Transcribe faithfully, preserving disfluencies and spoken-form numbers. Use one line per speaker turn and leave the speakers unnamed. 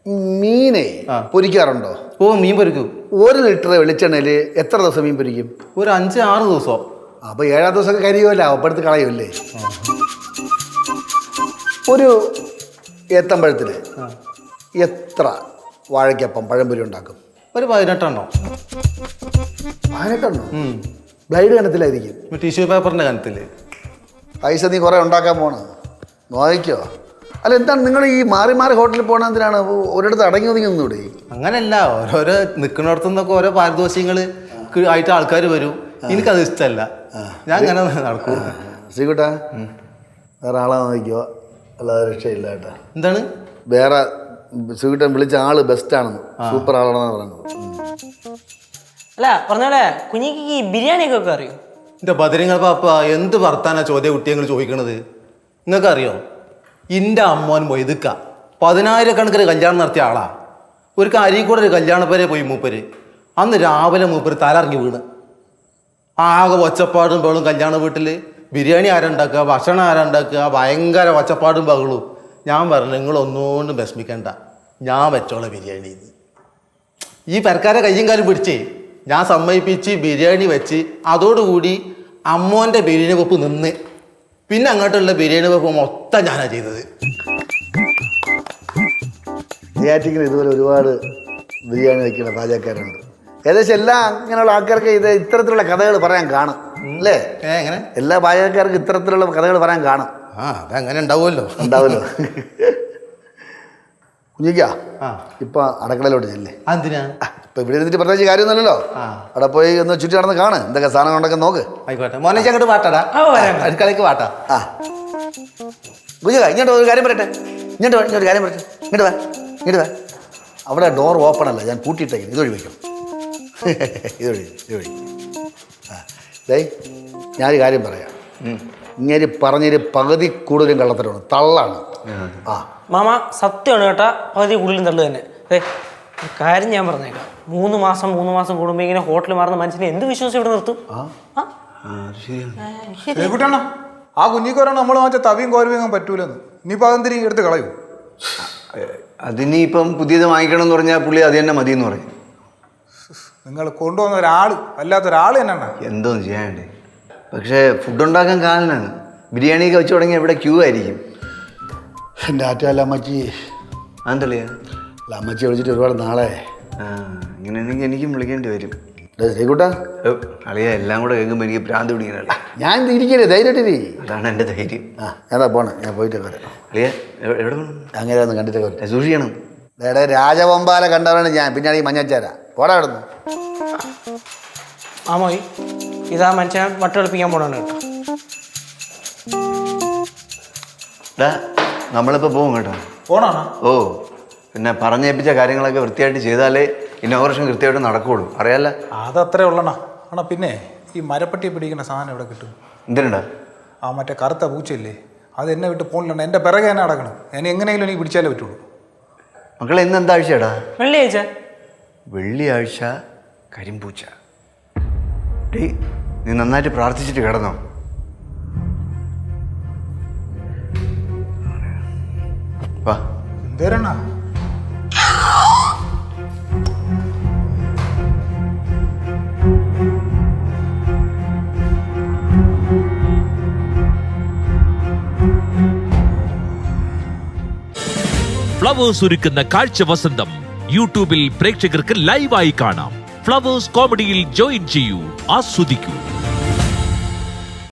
മീനെ പൊരിക്കാറുണ്ടോ?
ഓ, മീൻ പൊരിക്കും.
ഒരു ലിറ്റർ വെളിച്ചെണ്ണയിൽ എത്ര ദിവസം മീൻ പൊരിക്കും?
ഒരു അഞ്ച് ആറ് ദിവസം.
അപ്പൊ ഏഴാം ദിവസമൊക്കെ കരിയുമല്ലോ, അപ്പടുത്ത് കളയുമല്ലേ. ഒരു ഏത്തമ്പഴത്തിന് എത്ര വാഴയ്ക്കപ്പം പഴംപൊരി ഉണ്ടാക്കും?
ഒരു പതിനെട്ടെണ്ണോ.
പതിനെട്ടെണ്ണോ? ബ്ലൈഡ് കനത്തിലായിരിക്കും.
ടിഷ്യൂ പേപ്പറിന്റെ കനത്തില്.
പൈസ നീ കുറെ ഉണ്ടാക്കാൻ പോണ നോക്കിക്കോ. അല്ല, എന്താണ് നിങ്ങൾ ഈ മാറി മാറി ഹോട്ടലിൽ പോകണ എന്തിനാണ്? ഒരിടത്ത് അടങ്ങി ഒതുങ്ങി ഒന്നുകൂടെ?
അങ്ങനല്ല, ഓരോരോ നിൽക്കുന്നിടത്തു നിന്നൊക്കെ ഓരോ പാരിതോഷികങ്ങൾ ആയിട്ട് ആൾക്കാർ വരും. എനിക്കത് ഇഷ്ടമല്ല, ഞാൻ അങ്ങനെ നടക്കും.
ശ്രീകുട്ടാ, വേറെ ആളെ നോക്കിക്കോ, അല്ലാതെ രക്ഷയില്ല കേട്ടാ.
എന്താണ്?
വേറെ ശ്രീകുട്ടൻ വിളിച്ച ആള് ബെസ്റ്റ് ആണെന്ന്, സൂപ്പർ ആളാണെന്ന് പറയുന്നത്.
അല്ല പറഞ്ഞോളെ, കുഞ്ഞിക്ക് ഈ ബിരിയാണിയൊക്കെ ഒക്കെ അറിയോ?
എൻ്റെ ബദരിങ്ങൾ പാപ്പ, എന്ത് വർത്താനാ ചോദ്യ കുട്ടികൾ ചോദിക്കണത്? നിങ്ങൾക്ക് അറിയോ? എൻ്റെ അമ്മോൻ മൊയ്തുക്ക പതിനായിരക്കണക്കിന് കല്യാണം നടത്തിയ ആളാ. ഒരു അരീക്കൂടെ ഒരു കല്യാണപ്പേരെ പോയി മൂപ്പര്. അന്ന് രാവിലെ മൂപ്പര് തലറിഞ്ഞ് വീണ്. ആകെ ഒച്ചപ്പാടും ബഹളും കല്യാണ വീട്ടിൽ. ബിരിയാണി ആരുണ്ടാക്കുക, ഭക്ഷണം ആരുണ്ടാക്കുക, ഭയങ്കര ഒച്ചപ്പാടും ബഹളും. ഞാൻ പറഞ്ഞു, നിങ്ങളൊന്നുകൊണ്ടും വിഷമിക്കണ്ട, ഞാൻ വെച്ചോളാം ബിരിയാണി. ഈ പെരക്കാരെ കയ്യും കാലും പിടിച്ചേ ഞാൻ സമ്മതിപ്പിച്ച് ബിരിയാണി വെച്ച്, അതോടുകൂടി അമ്മോൻ്റെ ബിരിയാണി വെപ്പ് നിന്ന്. പിന്നെ അങ്ങോട്ടുള്ള ബിരിയാണി വെപ്പ് മൊത്തം ഞാനാ ചെയ്തത്.
നെയ്യാറ്റിങ്ങിൽ ഇതുപോലെ ഒരുപാട് ബിരിയാണി വയ്ക്കുന്ന പാചകക്കാരുണ്ട്. ഏകദേശം എല്ലാ അങ്ങനെയുള്ള ആൾക്കാർക്ക് ഇത് ഇത്തരത്തിലുള്ള കഥകൾ പറയാൻ കാണും അല്ലേ?
എങ്ങനെ?
എല്ലാ പാചകക്കാർക്കും ഇത്തരത്തിലുള്ള കഥകൾ പറയാൻ കാണും.
ആ, അതങ്ങനെ ഉണ്ടാവുമല്ലോ
ഉണ്ടാവുമല്ലോ. കുഞ്ഞിക്കാ, ഇപ്പൊ അടുക്കളയിലോട്ട് ചെല്ലേ.
എന്തിനാ?
ഇപ്പൊ ഇവിടെ ഇരുന്നിട്ട് പ്രത്യേകിച്ച് കാര്യമൊന്നുമല്ലോ. അവിടെ പോയി ഒന്ന് ചുറ്റി നടന്ന് കാണ്, എന്തൊക്കെ സാധനം ഉണ്ടൊക്കെ നോക്ക്.
ആയിക്കോട്ടെ മോനെ, അങ്ങോട്ട് വാട്ടാടാ, അടുക്കളയ്ക്ക് വാട്ടാ.
ആ കുഞ്ഞിക്ക, ഇങ്ങോട്ട് ഒരു കാര്യം പറയട്ടെ. ഇങ്ങോട്ട് ഇങ്ങോട്ട് കാര്യം പറയട്ടെ. ഇങ്ങോട്ട് വാ, ഇങ്ങോട്ട് വാ. അവിടെ ഡോർ ഓപ്പൺ അല്ല, ഞാൻ പൂട്ടിയിട്ടേക്കും. ഇതൊഴി വയ്ക്കും, ഇതൊഴി ഇതൊഴി. ആ ദേ, ഞാനൊരു കാര്യം പറയാം. ഇങ്ങനെ പറഞ്ഞൊരു പകുതി കൂടുതലും കള്ളത്തരമാണ്, തള്ളാണ്. ആ
മാമ സത്യമാണ് കേട്ടാ, പകുതി കൂടുതലും തള്ളു തന്നെ. ഏ കാര്യം ഞാൻ പറഞ്ഞേക്കാം, മൂന്ന് മാസം മൂന്ന് മാസം കൂടുമ്പോൾ ഇങ്ങനെ ഹോട്ടലിൽ മാറുന്ന മനുഷ്യനെ എന്ത് വിശ്വാസം ഇവിടെ നിർത്തും?
ശരിക്കുട്ടാണ് ആ കുഞ്ഞിക്കോരാണ് നമ്മൾ വാങ്ങിച്ച തവിയും കോരവും പറ്റൂലെന്ന്. ഇനിയിപ്പോൾ അതെന്തിനും എടുത്ത് കളയൂ.
അതിനിപ്പം പുതിയത് വാങ്ങിക്കണം എന്ന് പറഞ്ഞാൽ പുള്ളി അത് തന്നെ മതി എന്ന് പറയും.
നിങ്ങൾ കൊണ്ടുവന്ന ഒരാൾ അല്ലാത്തൊരാൾ തന്നെയാണ്.
എന്തോന്ന് ചെയ്യാണ്ടേ? പക്ഷേ ഫുഡ് ഉണ്ടാക്കാൻ കാലനാണ്. ബിരിയാണിയൊക്കെ വെച്ച് തുടങ്ങിയാൽ ഇവിടെ ക്യൂ ആയിരിക്കും.
എൻ്റെ ആറ്റല്ല അമ്മച്ചി.
അതെന്തളിയാ?
അല്ല, അമ്മച്ചി വിളിച്ചിട്ട് ഒരുപാട് നാളെ.
ആ, ഇങ്ങനെയാണെങ്കിൽ എനിക്കും വിളിക്കേണ്ടി വരും.
ശ്രീകുട്ടാ,
അളിയ എല്ലാം കൂടെ കേൾക്കുമ്പോൾ എനിക്ക് ഭ്രാന്ത് പിടിക്കണല്ലേ.
ഞാൻ ഇരിക്കല്ലേ, ധൈര്യമായിട്ടിരി.
അതാണ് എൻ്റെ ധൈര്യം.
ആ ഏതാ പോണേ, ഞാൻ പോയിട്ട് വരാം.
അളിയ എവിടെ പോകണം?
അങ്ങനെ ഒന്ന് കണ്ടിട്ട് വരാം.
സൂക്ഷിക്കണം.
വേറെ രാജവമ്പാല കണ്ടവരാണ് ഞാൻ, പിന്നാണ് ഈ മഞ്ഞച്ചാര. പോടാ അവിടുന്ന്.
ആമോയി, ഇതാ മനുഷ്യനെ വട്ടെടുപ്പിക്കാൻ പോണാണ് കേട്ടോ.
ഡാ, നമ്മളിപ്പോൾ പോകും കേട്ടോ.
പോണാണോ?
ഓ, പിന്നെ പറഞ്ഞേൽപ്പിച്ച കാര്യങ്ങളൊക്കെ വൃത്തിയായിട്ട് ചെയ്താലേ ഇന്നോഗ്രേഷൻ കൃത്യമായിട്ട് നടക്കുകയുള്ളൂ. അറിയാല്ല?
അതത്രേ ഉള്ളണ. ആണോ പിന്നെ ഈ മരപ്പട്ടി പിടിക്കുന്ന സാധനം എവിടെ കിട്ടും?
എന്തിനുണ്ടാ?
ആ മറ്റേ കറുത്ത പൂച്ചയില്ലേ, അത് എന്നെ വിട്ട് പോണില്ല. എൻ്റെ പിറകെ തന്നെ നടക്കണം. ഞാൻ എങ്ങനെയെങ്കിലും എനിക്ക് പിടിച്ചാലേ പറ്റുള്ളൂ.
മക്കളെ, ഇന്ന് എന്താഴ്ചയാടാ?
വെള്ളിയാഴ്ച.
വെള്ളിയാഴ്ച കരിമ്പൂച്ച. ഡേയ്, നീ നന്നായിട്ട് പ്രാർത്ഥിച്ചിട്ട് കിടന്നോ? വാ.
എന്തേരണ?
ഫ്ലവേഴ്സ് ഒരുക്കുന്ന കാഴ്ച വസന്തം യൂട്യൂബിൽ പ്രേക്ഷകർക്ക് ലൈവായി കാണാം. ഫ്ലവേഴ്സ് കോമഡിയിൽ ജോയിൻ ചെയ്യൂ, ആസ്വദിക്കൂ.